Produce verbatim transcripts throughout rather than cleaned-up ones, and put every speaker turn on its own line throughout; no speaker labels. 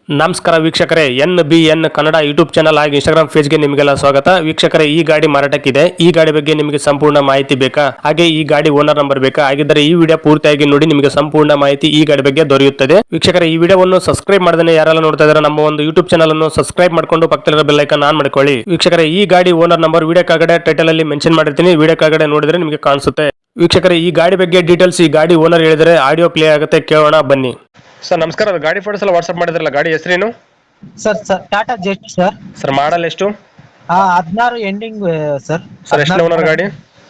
ನಮಸ್ಕಾರ ವೀಕ್ಷಕರೇ, N B N Kannada YouTube channel ಹಾಗೂ ಇನ್ಸ್ಟಾಗ್ರಾಮ್ ಪೇಜ್ಗೆ ನಿಮಗೆಲ್ಲ ಸ್ವಾಗತ. ವೀಕ್ಷಕರೇ, ಈ ಗಾಡಿ ಮಾರಾಟಕ್ಕಿದೆ. ಈ ಗಾಡಿ ಬಗ್ಗೆ ನಿಮಗೆ ಸಂಪೂರ್ಣ ಮಾಹಿತಿ ಬೇಕಾ? ಹಾಗೆ ಈ ಗಾಡಿ ಓನರ್ ನಂಬರ್ ಬೇಕಾ? ಹಾಗಿದ್ದರೆ ಈ ವಿಡಿಯೋ ಪೂರ್ತಿಯಾಗಿ ನೋಡಿ, ನಿಮಗೆ ಸಂಪೂರ್ಣ ಮಾಹಿತಿ ಈ ಗಾಡಿ ಬಗ್ಗೆ ದೊರೆಯುತ್ತದೆ. ವೀಕ್ಷಕರೇ, ಈ ವಿಡಿಯೋವನ್ನು ಸಬ್ಸ್ಕ್ರೈಬ್ ಮಾಡದೇ ಯಾರೆಲ್ಲ ನೋಡ್ತಾ ಇದ್ದಾರೆ ನಮ್ಮ ಒಂದು ಯೂಟ್ಯೂಬ್ ಚಾನಲ್ ಅನ್ನು ಸಬ್ಸ್ಕ್ರೈಬ್ ಮಾಡ್ಕೊಂಡು ಪಕ್ಕದಲ್ಲಿರೋ ಬೆಲ್ ಐಕಾನ್ ಆನ್ ಮಾಡ್ಕೊಳ್ಳಿ. ವೀಕ್ಷಕರೇ, ಈ ಗಾಡಿ ಓನರ್ ನಂಬರ್ ವಿಡಿಯೋ ಕೆಳಗಡೆ ಟೈಟಲ್ ಅಲ್ಲಿ ಮೆನ್ಷನ್ ಮಾಡಿರ್ತೀನಿ, ವಿಡಿಯೋ ಕೆಳಗಡೆ ನೋಡಿದ್ರೆ ನಿಮಗೆ ಕಾಣಿಸುತ್ತೆ. ವೀಕ್ಷಕರೇ, ಈ ಗಾಡಿ ಬಗ್ಗೆ ಡೀಟೇಲ್ಸ್ ಈ ಗಾಡಿ ಓನರ್ ಹೇಳಿದರೆ ಆಡಿಯೋ ಪ್ಲೇ ಆಗುತ್ತೆ, ಕೇಳೋಣ ಬನ್ನಿ. ಸರ್ ನಮಸ್ಕಾರ, ಗಾಡಿ ಫೋಟೋಸ್ ಎಲ್ಲ ವಾಟ್ಸ್ಆಪ್ ಮಾಡಿದ್ರಲ್ಲ, ಗಾಡಿ ಹೆಸರೇನು?
Sir sir Tata Zest sir.
Sir model ಎಷ್ಟು?
ಹದಿನಾರು ಎಂಡಿಂಗ್ ಸರ್.
ಸರ್ ಎಷ್ಟು ಓನರ್ ಗಾಡಿ?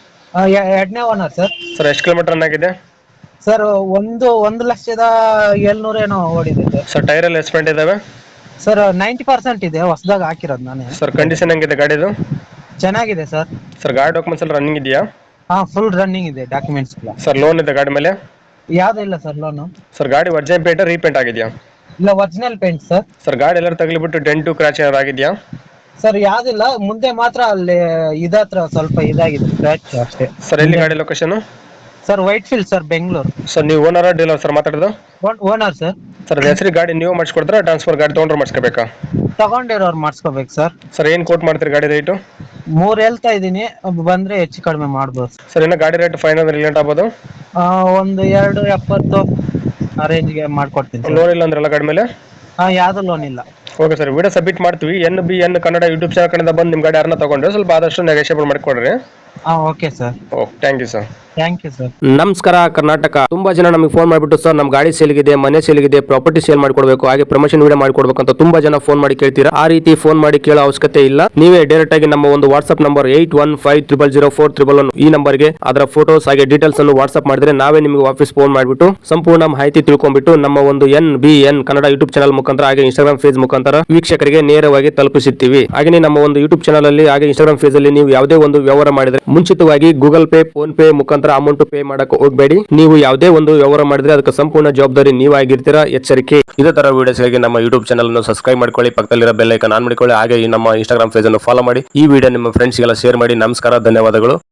ಎರಡನೇ ಓನರ್ ಸರ್.
ಸರ್ ಎಷ್ಟು ಕಿಲೋಮೀಟರ್ ರನ್ ಆಗಿದೆ?
ಸರ್ ಒಂದು ಒಂದು ಲಕ್ಷದ ಏಳ್ನೂರ ಏನೋ ಓಡಿದೆ ಸರ್.
ಸರ್ ಟೈರ್ ಎಲ್ಲ ಎಸ್ಪೆಂಟ್ ಇದಾವೆ?
ಸರ್ ನೈಂಟಿ ಪರ್ಸೆಂಟ್ ಇದೆ, ಹೊಸದಾಗ ಹಾಕಿರೋದು ನಾನೇ.
ಸರ್ ಕಂಡೀಷನ್ ಹೆಂಗಿದೆ ಗಾಡಿದು?
ಚೆನ್ನಾಗಿದೆ ಸರ್.
ಸರ್ ಗಾಡಿ ಡಾಕ್ಯುಮೆಂಟ್ಸ್ ಎಲ್ಲ ರನ್ನಿಂಗ್ ಇದೆಯಾ?
ಹಾ, ಫುಲ್ ರನ್ನಿಂಗ್ ಇದೆ ಡಾಕ್ಯುಮೆಂಟ್ಸ್ ಎಲ್ಲ.
ಸರ್ ಲೋನ್ ಇದೆ ಗಾಡಿ ಮೇಲೆ?
ಯಾವ್ದು ಇಲ್ಲ ಸರ್ ಲೋನು.
ಸರ್ ಗಾಡಿ ಒರಿಜಿನಲ್ ಪೇಂಟ್ ರೀಪೇಂಟ್ ಆಗಿದೆಯಾ?
ಇಲ್ಲ, ಒರಿಜಿನಲ್ ಪೇಂಟ್ ಸರ್.
ಸರ್ ಗಾಡಿ ಎಲ್ಲರೂ ತಗಲಿಬಿಟ್ಟು ಡೆಂಟು ಕ್ರಾಚ್ ಏನಾರು ಆಗಿದೆಯಾ?
ಸರ್ ಯಾವ್ದಿಲ್ಲ, ಮುಂದೆ ಮಾತ್ರ ಅಲ್ಲಿ ಇದತ್ರ ಸ್ವಲ್ಪ ಇದಾಗಿದೆ ಸ್ಕ್ರಾಚ್ ಅಷ್ಟೇ.
ಸರ್ ಎಲ್ಲಿ ಗಾಡಿ location?
Sir Whitefield sir, Bengaluru.
Sir ನೀವು ಓನರ್ ಡೀಲರ್ ಸರ್ ಮಾತಾಡೋದು?
Owner sir.
ಸರ್ ಹೆಸರು ಗಾಡಿ ನೀವು ಮಾಡಿಸ್ಕೊಡ್ತಾರ ಟ್ರಾನ್ಸ್ಫರ್ ಗಾಡಿ ತೊಗೊಂಡ್ರೆ ಮಾಡಿಸ್ಕೋಬೇಕಾ?
ತಗೊಂಡಿರೋರು ಮಾಡಿಸ್ಕೋಬೇಕು ಸರ್.
ಸರ್ ಏನು ಕೋಟ್ ಮಾಡ್ತೀರಿ ಗಾಡಿ ರೇಟು?
ಮೂರ್ ಹೇಳ್ತಾ ಇದೀನಿ, ಬಂದ್ರೆ ಹೆಚ್ಚು ಕಡಿಮೆ ಮಾಡ್ಬೋದು.
ಸರ್ ಇನ್ನು ಗಾಡಿ ರೇಟ್ ಫೈನಲ್ ರಿಲೇಟ್ ಆಗ್ಬೋದು?
ಆ, ಒಂದು ಎರಡು ಎಪ್ಪತ್ತು ಆ ರೇಂಜ್ಗೆ ಮಾಡ್ಕೊಡ್ತೀನಿ ಸರ್.
ಲೋನ್ ಇಲ್ಲ ಅಂದ್ರಲ್ಲ ಗಾಡಿ ಮೇಲೆ?
ಹಾ, ಯಾವ್ದು ಲೋನ್ ಇಲ್ಲ.
ಓಕೆ ಸರ್, ವಿಡಿಯೋ ಸಬ್ಮಿಟ್ ಮಾಡ್ತೀವಿ. N B N Kannada YouTube channel ಕಡೆಯಿಂದ ಬಂದು ನಿಮ್ಮ ಗಾಡಿ ಯಾರನ್ನ ತಗೊಂಡ್ರೆ ಸ್ವಲ್ಪ ಆದಷ್ಟು ನೆಗೋಷಿಯೇಬಲ್ ಮಾಡಿಕೊಡ್ರಿ.
ಹಾ, okay sir.
Okay, thank you sir.
Thank you sir.
ನಮಸ್ಕಾರ ಕರ್ನಾಟಕ. ತುಂಬಾ ಜನ ನಮಗೆ ಫೋನ್ ಮಾಡಿಬಿಟ್ಟು ಸರ್ ನಮ್ಮ ಗಾಡಿ ಸೇಲ್ಗಿದೆ, ಮನೆ ಸೇಲ್ಗಿದೆ, ಪ್ರಾಪರ್ಟಿ ಸೇಲ್ ಮಾಡ್ಕೊಡ್ಬೇಕು, ಹಾಗೆ ಪ್ರಮೋಷನ್ ವಿಡಿಯೋ ಮಾಡ್ಕೊಡ್ಬೇಕು ಅಂತ ತುಂಬಾ ಜನ ಫೋನ್ ಮಾಡಿ ಕೇಳ್ತೀರಾ. ಆ ರೀತಿ ಫೋನ್ ಮಾಡಿ ಕೇಳೋ ಅವಶ್ಯಕತೆ ಇಲ್ಲ. ನೀವೇ ಡೈರೆಕ್ಟ್ ಆಗಿ ನಮ್ಮ ಒಂದು WhatsApp number eight one five triple zero four triple one ಈ ನಂಬರ್ಗೆ ಅದರ ಫೋಟೋಸ್ ಹಾಗೆ ಡೀಟೇಲ್ಸ್ ಅನ್ನು ವಾಟ್ಸ್ಆಪ್ ಮಾಡಿದ್ರೆ ನಾವೇ ನಿಮಗೆ ವಾಪಸ್ ಫೋನ್ ಮಾಡಿಬಿಟ್ಟು ಸಂಪೂರ್ಣ ಮಾಹಿತಿ ತಿಳ್ಕೊಂಡ್ಬಿಟ್ಟು ನಮ್ಮ ಒಂದು N B N Kannada YouTube channel ಮುಖಾಂತರ ಹಾಗೆ ಇನ್ಸ್ಟಾಗ್ರಾಮ್ ಪೇಜ್ ಮುಖಾಂತರ ವೀಕ್ಷಕರಿಗೆ ನೇರವಾಗಿ ತಲುಪಿಸುತ್ತೀವಿ. ಹಾಗೆ ನಮ್ಮ ಒಂದು ಯೂಟ್ಯೂಬ್ ಚಾನಲ್ ಅಲ್ಲಿ ಹಾಗೆ ಇನ್ಸ್ಟಾಗ್ರಾಮ್ ಪೇಜ್ ಅಲ್ಲಿ ನೀವು ಯಾವುದೇ ಒಂದು ವ್ಯವಹಾರ ಮಾಡಿದ್ರೆ ಮುಂಚಿತವಾಗಿ ಗೂಗಲ್ ಪೇ, ಫೋನ್ ಪೇ ಮುಖಾಂತರ ಅಮೌಂಟ್ ಪೇ ಮಾಡಕ್ಕೆ ಹೋಗಬೇಡಿ. ನೀವು ಯಾವುದೇ ಒಂದು ವ್ಯವಹಾರ ಮಾಡಿದ್ರೆ ಅದಕ್ಕೆ ಸಂಪೂರ್ಣ ಜವಾಬ್ದಾರಿ ನೀವಾಗಿರ್ತೀರಾ, ಎಚ್ಚರಿಕೆ. ಇದೇ ತರ ವಿಡಿಯೋಸ್ಗಾಗಿ ನಮ್ಮ ಯೂಟ್ಯೂಬ್ ಚಾನಲ್ ಅನ್ನು ಸಬ್ಸ್ಕ್ರೈಬ್ ಮಾಡ್ಕೊಳ್ಳಿ, ಪಕ್ಕದಲ್ಲಿರೋ ಬೆಲ್ ಐಕಾನ್ ಆನ್ ಮಾಡಿಕೊಳ್ಳಿ, ಹಾಗೆ ನಮ್ಮ ಇನ್ಸ್ಟಾಗ್ರಾಮ್ ಪೇಜ್ ಅನ್ನು ಫಾಲೋ ಮಾಡಿ. ಈ ವಿಡಿಯೋ ನಿಮ್ಮ ಫ್ರೆಂಡ್ಸ್ಗೆಲ್ಲ ಶೇರ್ ಮಾಡಿ. ನಮಸ್ಕಾರ, ಧನ್ಯವಾದಗಳು.